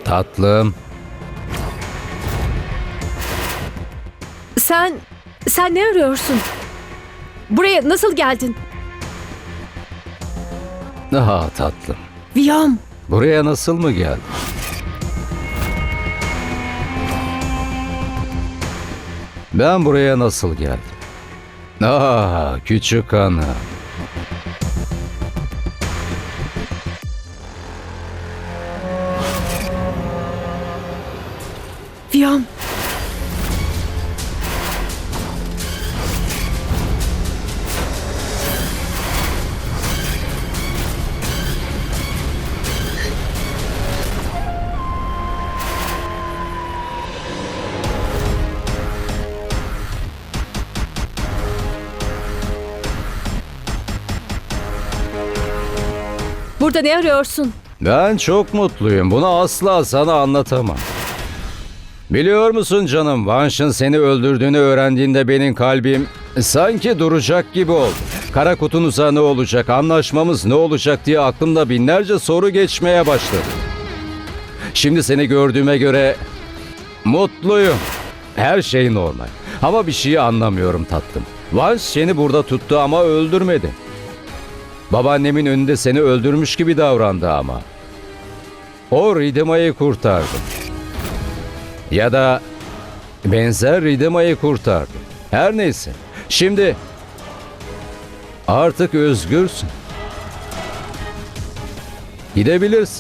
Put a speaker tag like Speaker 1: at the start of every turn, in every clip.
Speaker 1: Tatlım.
Speaker 2: Sen ne arıyorsun? Buraya nasıl geldin?
Speaker 1: Aha tatlım.
Speaker 2: Viyom.
Speaker 1: Buraya nasıl mı geldin? Ben buraya nasıl geldim? Küçük hanım.
Speaker 2: Viyom. Burada ne arıyorsun?
Speaker 1: Ben çok mutluyum. Bunu asla sana anlatamam. Biliyor musun canım, Vanş'ın seni öldürdüğünü öğrendiğinde benim kalbim sanki duracak gibi oldu. Kara kutunuza ne olacak, anlaşmamız ne olacak diye aklımda binlerce soru geçmeye başladı. Şimdi seni gördüğüme göre mutluyum. Her şey normal. Ama bir şeyi anlamıyorum tatlım. Vanş seni burada tuttu ama öldürmedi. Babaannemin önünde seni öldürmüş gibi davrandı ama. O Ridima'yı kurtardı. Ya da benzer Ridima'yı kurtardı. Her neyse. Şimdi artık özgürsün. Gidebilirsin.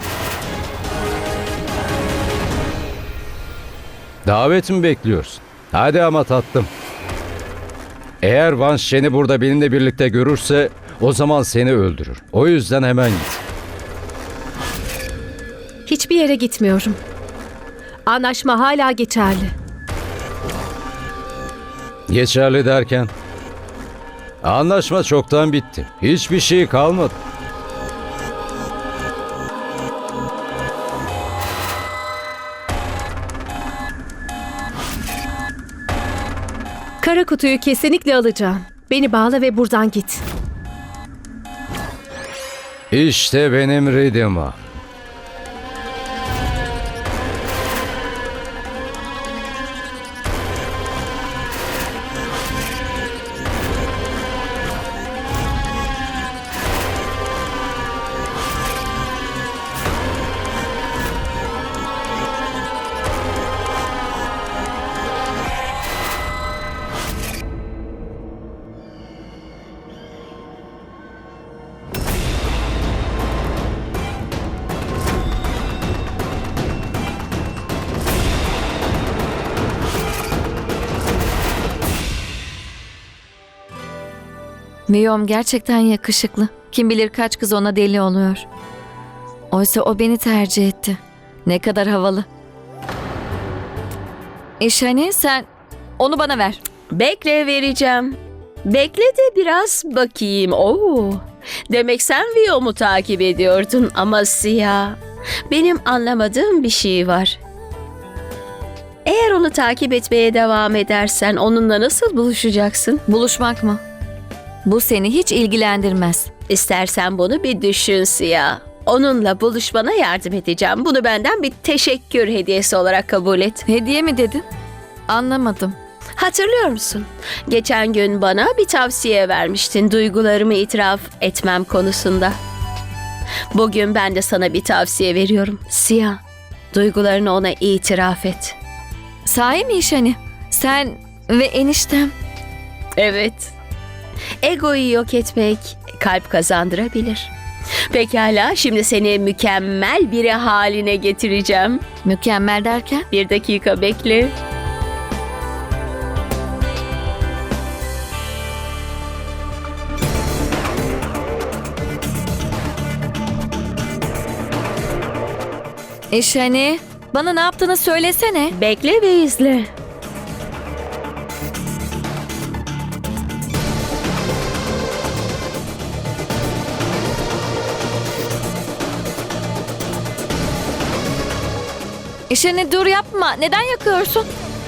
Speaker 1: Davet mi bekliyorsun? Hadi ama tatlım. Eğer Vanş seni burada benimle birlikte görürse o zaman seni öldürür. O yüzden hemen git.
Speaker 2: Hiçbir yere gitmiyorum. Anlaşma hala geçerli.
Speaker 1: Geçerli derken? Anlaşma çoktan bitti. Hiçbir şey kalmadı.
Speaker 2: Kara kutuyu kesinlikle alacağım. Beni bağla ve buradan git.
Speaker 1: İşte benim Ridima.
Speaker 3: Viyom gerçekten yakışıklı. Kim bilir kaç kız ona deli oluyor. Oysa o beni tercih etti. Ne kadar havalı. Şani sen onu bana ver.
Speaker 4: Bekle vereceğim. Bekle de biraz bakayım. Oo. Demek sen Viyom'u takip ediyordun ama Siyah. Benim anlamadığım bir şey var. Eğer onu takip etmeye devam edersen onunla nasıl buluşacaksın?
Speaker 3: Buluşmak mı? Bu seni hiç ilgilendirmez.
Speaker 4: İstersen bunu bir düşün Siyah. Onunla buluşmana yardım edeceğim. Bunu benden bir teşekkür hediyesi olarak kabul et.
Speaker 3: Hediye mi dedin? Anlamadım.
Speaker 4: Hatırlıyor musun? Geçen gün bana bir tavsiye vermiştin duygularımı itiraf etmem konusunda. Bugün ben de sana bir tavsiye veriyorum. Siyah, duygularını ona itiraf et.
Speaker 3: Sahi mi Şani? Sen ve eniştem.
Speaker 4: Evet. Egoyu yok etmek kalp kazandırabilir. Pekala, şimdi seni mükemmel biri haline getireceğim.
Speaker 3: Mükemmel derken?
Speaker 4: Bir dakika bekle.
Speaker 3: Şani bana ne yaptığını söylesene.
Speaker 4: Bekle ve izle.
Speaker 3: Şani dur yapma. Neden yakıyorsun?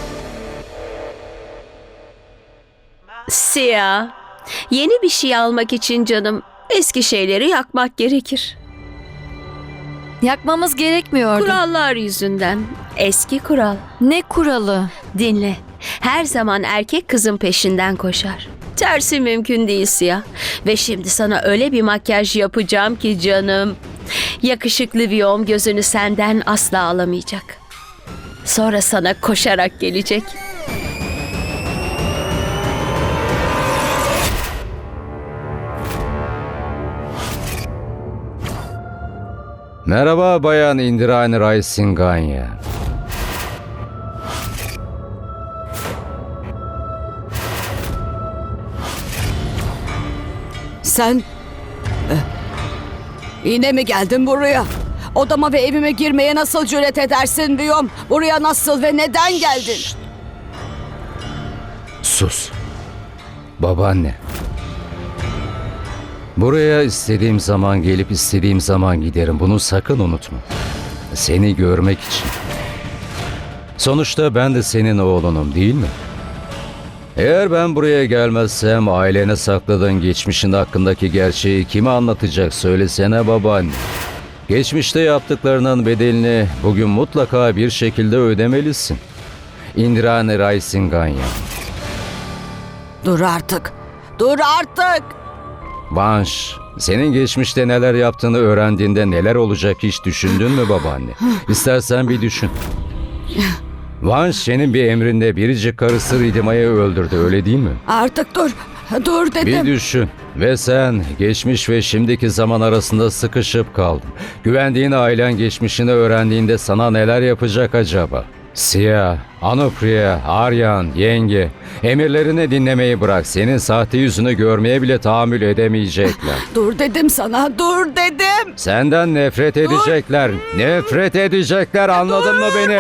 Speaker 4: Siyah, yeni bir şey almak için canım eski şeyleri yakmak gerekir.
Speaker 3: Yakmamız gerekmiyordu.
Speaker 4: Kurallar yüzünden. Eski kural.
Speaker 3: Ne kuralı?
Speaker 4: Dinle. Her zaman erkek kızın peşinden koşar. Tersi mümkün değil Siyah. Ve şimdi sana öyle bir makyaj yapacağım ki canım. Yakışıklı Viyom gözünü senden asla alamayacak. Sonra sana koşarak gelecek.
Speaker 1: Merhaba Bayan Indrani Ray Singhania.
Speaker 5: Sen yine mi geldin buraya? Odama ve evime girmeye nasıl cüret edersin Viyom? Buraya nasıl ve neden geldin?
Speaker 1: Sus. Babaanne. Buraya istediğim zaman gelip istediğim zaman giderim. Bunu sakın unutma. Seni görmek için. Sonuçta ben de senin oğlunum, değil mi? Eğer ben buraya gelmezsem ailene sakladığın geçmişin hakkındaki gerçeği kime anlatacak söylesene babaanne. Geçmişte yaptıklarının bedelini bugün mutlaka bir şekilde ödemelisin. Indrani Ray Singhania.
Speaker 5: Dur artık. Dur artık.
Speaker 1: Vanş, senin geçmişte neler yaptığını öğrendiğinde neler olacak hiç düşündün mü babaanne? İstersen bir düşün. Vanş senin bir emrinde biricik karısı Ridima'yı öldürdü, öyle değil mi?
Speaker 5: Artık dur. Dur
Speaker 1: Bir
Speaker 5: dedim.
Speaker 1: düşün. Ve sen geçmiş ve şimdiki zaman arasında sıkışıp kaldın. Güvendiğin ailen geçmişini öğrendiğinde sana neler yapacak acaba? Siyah, Anupriya, Aryan, yenge, emirlerini dinlemeyi bırak. Senin sahte yüzünü görmeye bile tahammül edemeyecekler.
Speaker 5: Dur dedim sana. Dur dedim.
Speaker 1: Senden nefret edecekler. Nefret edecekler, anladın mı beni?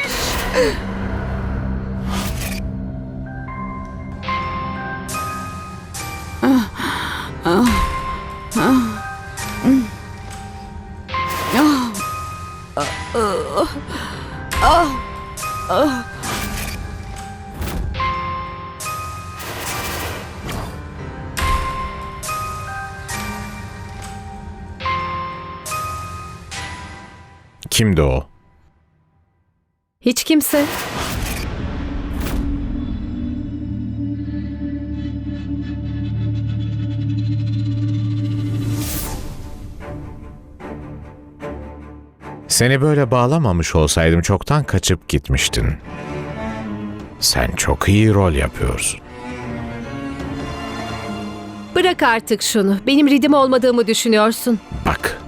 Speaker 6: Kimdi o?
Speaker 2: Hiç kimse.
Speaker 6: Seni böyle bağlamamış olsaydım çoktan kaçıp gitmiştin. Sen çok iyi rol yapıyorsun.
Speaker 2: Bırak artık şunu. Benim ridim olmadığımı düşünüyorsun.
Speaker 6: Bak.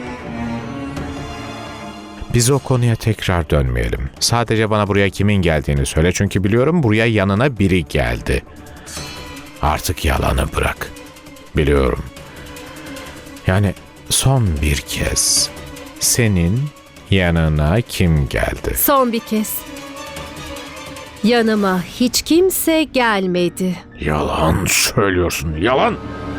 Speaker 6: Biz o konuya tekrar dönmeyelim. Sadece bana buraya kimin geldiğini söyle çünkü biliyorum buraya yanına biri geldi. Artık yalanı bırak. Biliyorum. Yani son bir kez senin yanına kim geldi?
Speaker 2: Son bir kez. Yanıma hiç kimse gelmedi.
Speaker 6: Yalan söylüyorsun, yalan.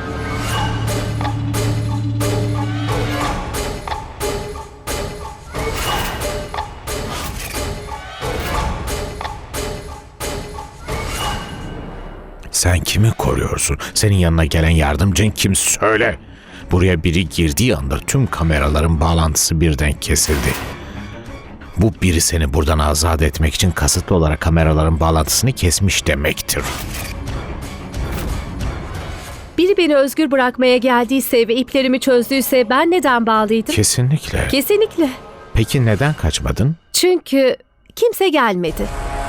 Speaker 6: Sen kimi koruyorsun? Senin yanına gelen yardımcın kim söyle. Buraya biri girdiği anda tüm kameraların bağlantısı birden kesildi. Bu biri seni buradan azat etmek için kasıtlı olarak kameraların bağlantısını kesmiş demektir.
Speaker 2: Biri beni özgür bırakmaya geldiyse ve iplerimi çözdüyse ben neden bağlıydım?
Speaker 6: Kesinlikle.
Speaker 2: Kesinlikle.
Speaker 6: Peki neden kaçmadın?
Speaker 2: Çünkü kimse gelmedi.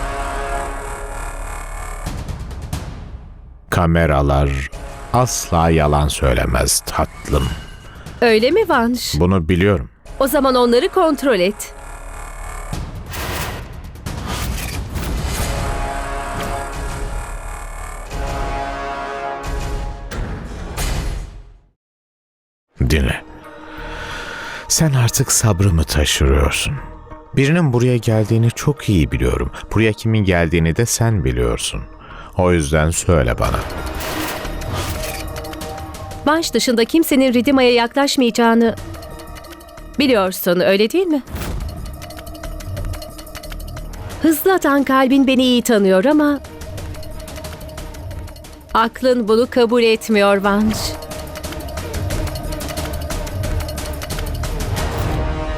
Speaker 6: Kameralar asla yalan söylemez tatlım.
Speaker 2: Öyle mi Vanş?
Speaker 6: Bunu biliyorum.
Speaker 2: O zaman onları kontrol et.
Speaker 6: Dinle. Sen artık sabrımı taşırıyorsun. Birinin buraya geldiğini çok iyi biliyorum. Buraya kimin geldiğini de sen biliyorsun. O yüzden söyle bana.
Speaker 2: Vanş dışında kimsenin Ridima'ya yaklaşmayacağını biliyorsun, öyle değil mi? Hızlı atan kalbin beni iyi tanıyor ama aklın bunu kabul etmiyor Vanş.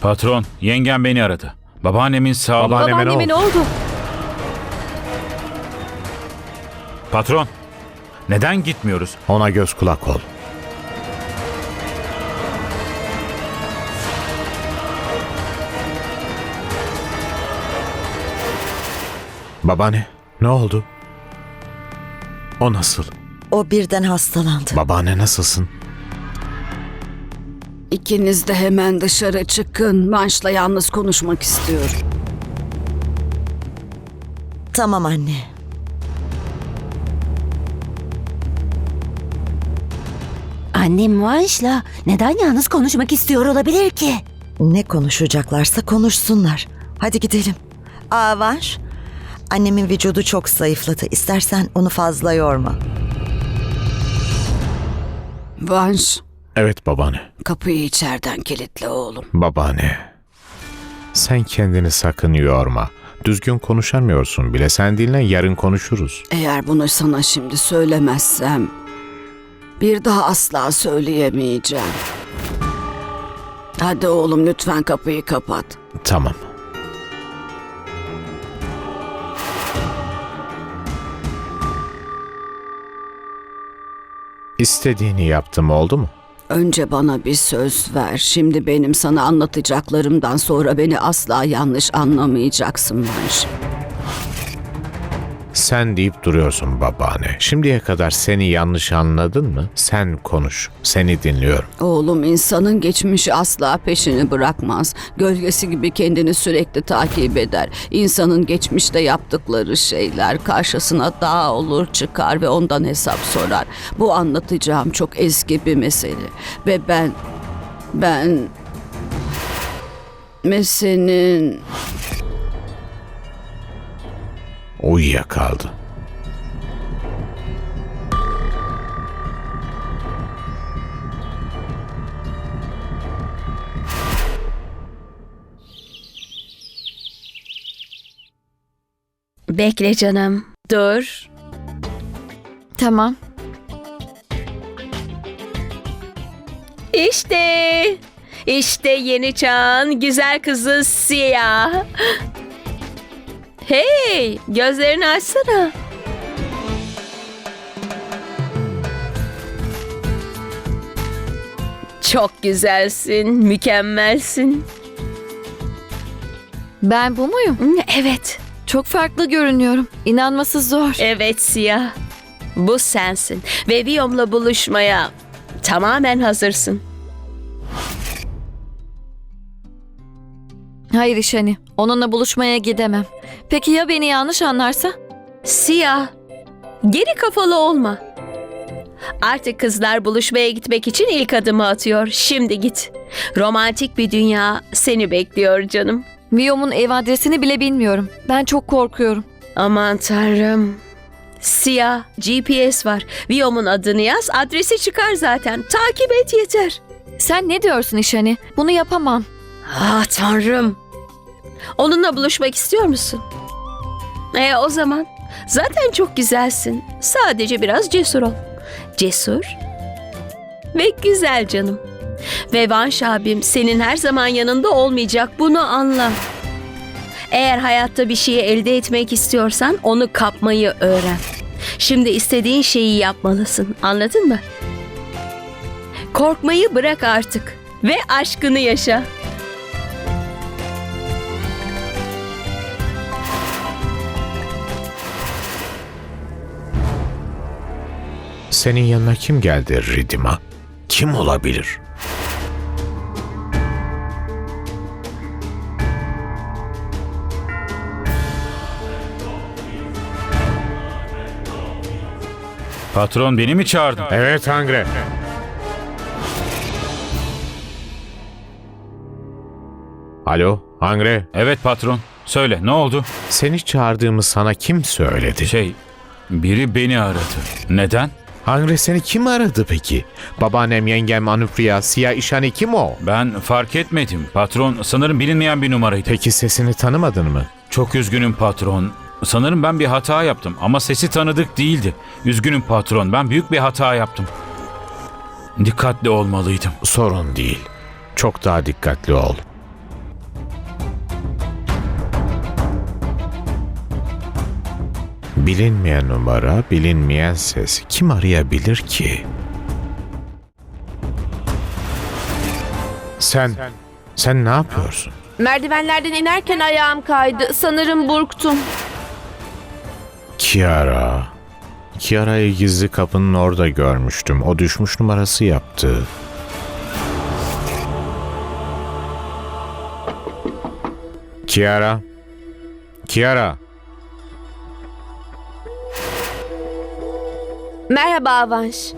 Speaker 7: Patron, yengem beni aradı. Babaannemin sağlığı...
Speaker 6: Babaanneme ne
Speaker 2: Babaanneme ne
Speaker 6: oldu?
Speaker 2: oldu?
Speaker 7: Patron, neden gitmiyoruz?
Speaker 6: Ona göz kulak ol. Babaanne, ne oldu? O nasıl?
Speaker 8: O birden hastalandı.
Speaker 6: Babaanne nasılsın?
Speaker 5: İkiniz de hemen dışarı çıkın. Vanş'la yalnız konuşmak istiyorum.
Speaker 8: Tamam anne.
Speaker 9: Annem Vanş'la neden yalnız konuşmak istiyor olabilir ki?
Speaker 8: Ne konuşacaklarsa konuşsunlar. Hadi gidelim. Vanş. Annemin vücudu çok zayıfladı. İstersen onu fazla yorma.
Speaker 5: Vanş,
Speaker 6: Evet babaanne.
Speaker 5: kapıyı içeriden kilitle oğlum.
Speaker 6: Babaanne. Sen kendini sakın yorma. Düzgün konuşamıyorsun bile. Sen dinle, yarın konuşuruz.
Speaker 5: Eğer bunu sana şimdi söylemezsem bir daha asla söyleyemeyeceğim. Hadi oğlum lütfen kapıyı kapat.
Speaker 6: Tamam. İstediğini yaptım, oldu mu?
Speaker 5: Önce bana bir söz ver. Şimdi benim sana anlatacaklarımdan sonra beni asla yanlış anlamayacaksın Vanş.
Speaker 6: Sen deyip duruyorsun babaanne. Şimdiye kadar seni yanlış anladın mı? Sen konuş. Seni dinliyorum.
Speaker 5: Oğlum insanın geçmişi asla peşini bırakmaz. Gölgesi gibi kendini sürekli takip eder. İnsanın geçmişte yaptıkları şeyler karşısına dağ olur çıkar ve ondan hesap sorar. Bu anlatacağım çok eski bir mesele. Ve ben meselenin...
Speaker 6: Uyuyakaldı.
Speaker 4: Bekle canım. Dur.
Speaker 3: Tamam.
Speaker 4: İşte yeni çağın güzel kızı Siyah. Hey, gözlerini açsana. Çok güzelsin, mükemmelsin.
Speaker 3: Ben bu muyum?
Speaker 4: Evet,
Speaker 3: Çok farklı görünüyorum. İnanması zor.
Speaker 4: evet Siyah. Bu sensin ve Viyom'la buluşmaya tamamen hazırsın.
Speaker 3: Hayır İşani. Onunla buluşmaya gidemem. Peki ya beni yanlış anlarsa?
Speaker 4: Siyah, geri kafalı olma. Artık kızlar buluşmaya gitmek için ilk adımı atıyor. Şimdi git. Romantik bir dünya seni bekliyor canım.
Speaker 3: Viyom'un ev adresini bile bilmiyorum. Ben çok korkuyorum.
Speaker 4: Aman tanrım. Siyah, GPS var. Viyom'un adını yaz, adresi çıkar zaten. Takip et yeter.
Speaker 3: Sen ne diyorsun İşani? Bunu yapamam.
Speaker 4: Ah tanrım. Onunla buluşmak istiyor musun? O zaman zaten çok güzelsin. Sadece biraz cesur ol. Cesur ve güzel canım. Ve Vanş abim senin her zaman yanında olmayacak, bunu anla. Eğer hayatta bir şeyi elde etmek istiyorsan onu kapmayı öğren. Şimdi istediğin şeyi yapmalısın, anladın mı? Korkmayı bırak artık ve aşkını yaşa.
Speaker 6: Senin yanına kim geldi Ridima? Kim olabilir?
Speaker 7: Patron beni mi çağırdı?
Speaker 6: Evet Hangre. Alo Hangre.
Speaker 7: Evet patron. Söyle, ne oldu?
Speaker 6: Seni çağırdığımı sana kim söyledi?
Speaker 7: Biri beni aradı. Neden?
Speaker 6: Hangre seni kim aradı peki? Babaannem, yengem, Anupriya, Siyah, İşani kim o?
Speaker 7: Ben fark etmedim. Patron sanırım bilinmeyen bir numaraydı.
Speaker 6: Peki sesini tanımadın mı?
Speaker 7: Çok üzgünüm patron. Sanırım ben bir hata yaptım ama sesi tanıdık değildi. Üzgünüm patron, ben büyük bir hata yaptım. Dikkatli olmalıydım.
Speaker 6: Sorun değil. Çok daha dikkatli ol. Bilinmeyen numara, bilinmeyen ses. Kim arayabilir ki? Sen ne yapıyorsun?
Speaker 10: Merdivenlerden inerken ayağım kaydı. Sanırım burktum.
Speaker 6: Kiara'yı gizli kapının orada görmüştüm. O düşmüş numarası yaptı. Kiara.
Speaker 10: Merhaba Avanş.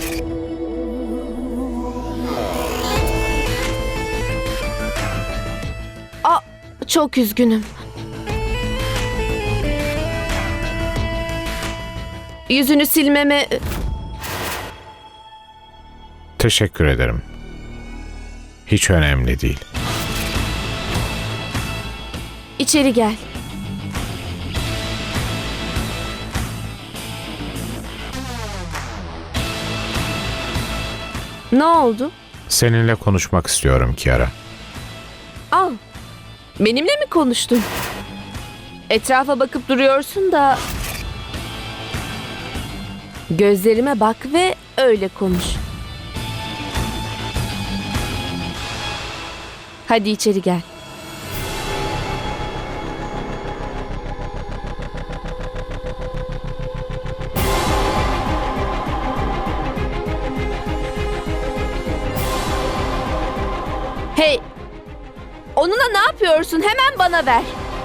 Speaker 10: Çok üzgünüm. Yüzünü silmeme...
Speaker 6: Teşekkür ederim. Hiç önemli değil.
Speaker 10: İçeri gel. Ne oldu?
Speaker 6: Seninle konuşmak istiyorum Kiara.
Speaker 10: Al. Benimle mi konuştun? Etrafa bakıp duruyorsun da... Gözlerime bak ve öyle konuş. Hadi içeri gel. Hey! Onunla ne yapıyorsun? Hemen bana ver.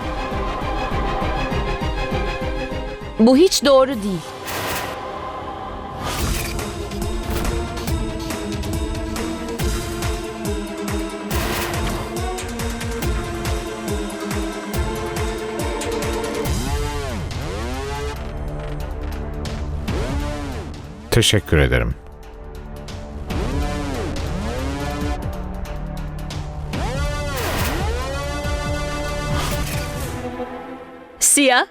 Speaker 10: Bu hiç doğru değil.
Speaker 6: Teşekkür ederim.
Speaker 4: Siya,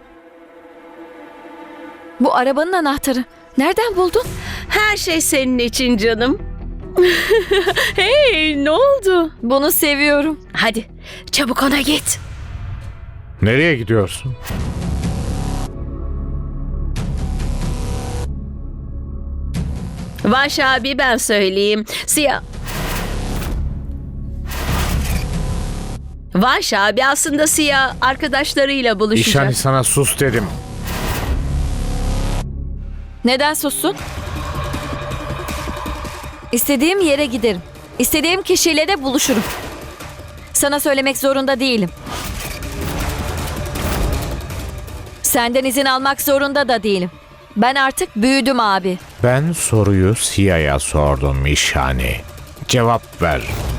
Speaker 3: Bu arabanın anahtarı. Nereden buldun?
Speaker 4: her şey senin için canım. Hey, ne oldu?
Speaker 3: Bunu seviyorum.
Speaker 4: Hadi, çabuk ona git.
Speaker 6: Nereye gidiyorsun?
Speaker 4: Vanş abi ben söyleyeyim. Siya... Vanş abi aslında Siya arkadaşlarıyla buluşacak.
Speaker 6: İşani sana sus dedim.
Speaker 3: Neden sussun? İstediğim yere giderim. İstediğim kişiyle de buluşurum. Sana söylemek zorunda değilim. Senden izin almak zorunda da değilim. Ben artık büyüdüm abi.
Speaker 6: Ben soruyu Siya'ya sordum İşani. Cevap ver.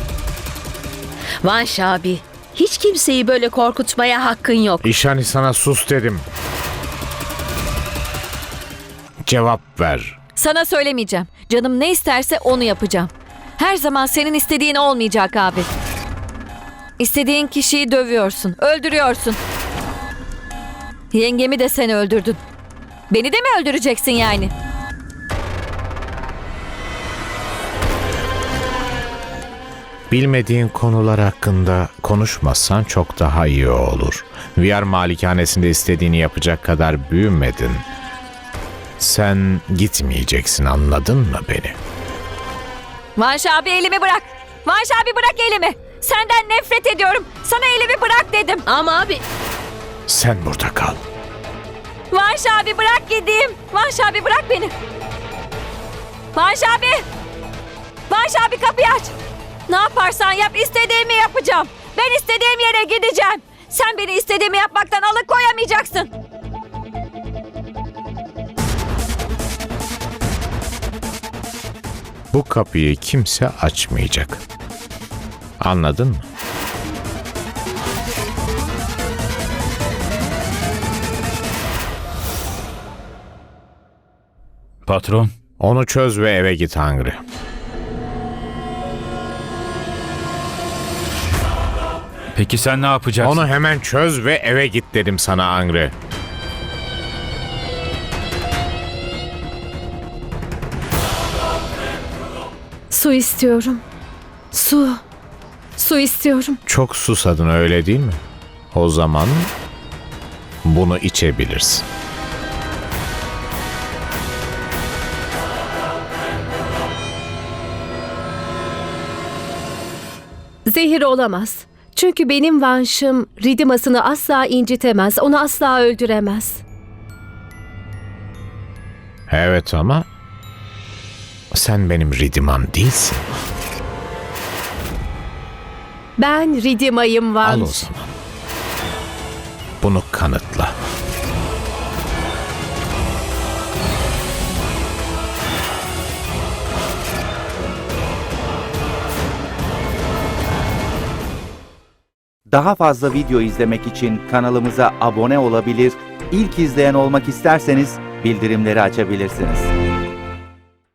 Speaker 4: Vanş abi, hiç kimseyi böyle korkutmaya hakkın yok.
Speaker 6: İşani sana sus dedim. Cevap ver.
Speaker 3: Sana söylemeyeceğim. Canım ne isterse onu yapacağım. Her zaman senin istediğin olmayacak abi. İstediğin kişiyi dövüyorsun, öldürüyorsun. Yengemi de sen öldürdün. Beni de mi öldüreceksin yani?
Speaker 6: Bilmediğin konular hakkında konuşmazsan çok daha iyi olur. VR malikanesinde istediğini yapacak kadar büyümedin. Sen gitmeyeceksin, anladın mı beni?
Speaker 3: Vanş abi elimi bırak. Vanş abi bırak elimi. Senden nefret ediyorum. Sana elimi bırak dedim.
Speaker 4: Ama abi...
Speaker 6: Sen burada kal.
Speaker 3: Vanş abi bırak gideyim. Vanş abi bırak beni. Vanş abi. Vanş abi kapıyı aç. Ne yaparsan yap istediğimi yapacağım. Ben istediğim yere gideceğim. Sen beni istediğimi yapmaktan alıkoyamayacaksın.
Speaker 6: Bu kapıyı kimse açmayacak. Anladın mı?
Speaker 7: Patron,
Speaker 6: Onu çöz ve eve git Hangri.
Speaker 7: peki sen ne yapacaksın?
Speaker 6: Onu hemen çöz ve eve git dedim sana Hangri.
Speaker 2: Su istiyorum. Su. Su istiyorum.
Speaker 6: Çok susadın öyle değil mi? O zaman bunu içebilirsin.
Speaker 2: Zehir olamaz. Çünkü benim Vanş'ım Ridima'sını asla incitemez, onu asla öldüremez.
Speaker 6: Evet ama sen benim Ridima'm değilsin.
Speaker 2: Ben Ridima'yım Vanş.
Speaker 6: Al o zaman. Bunu kanıtla.
Speaker 11: Daha fazla video izlemek için kanalımıza abone olabilir, ilk izleyen olmak isterseniz bildirimleri açabilirsiniz.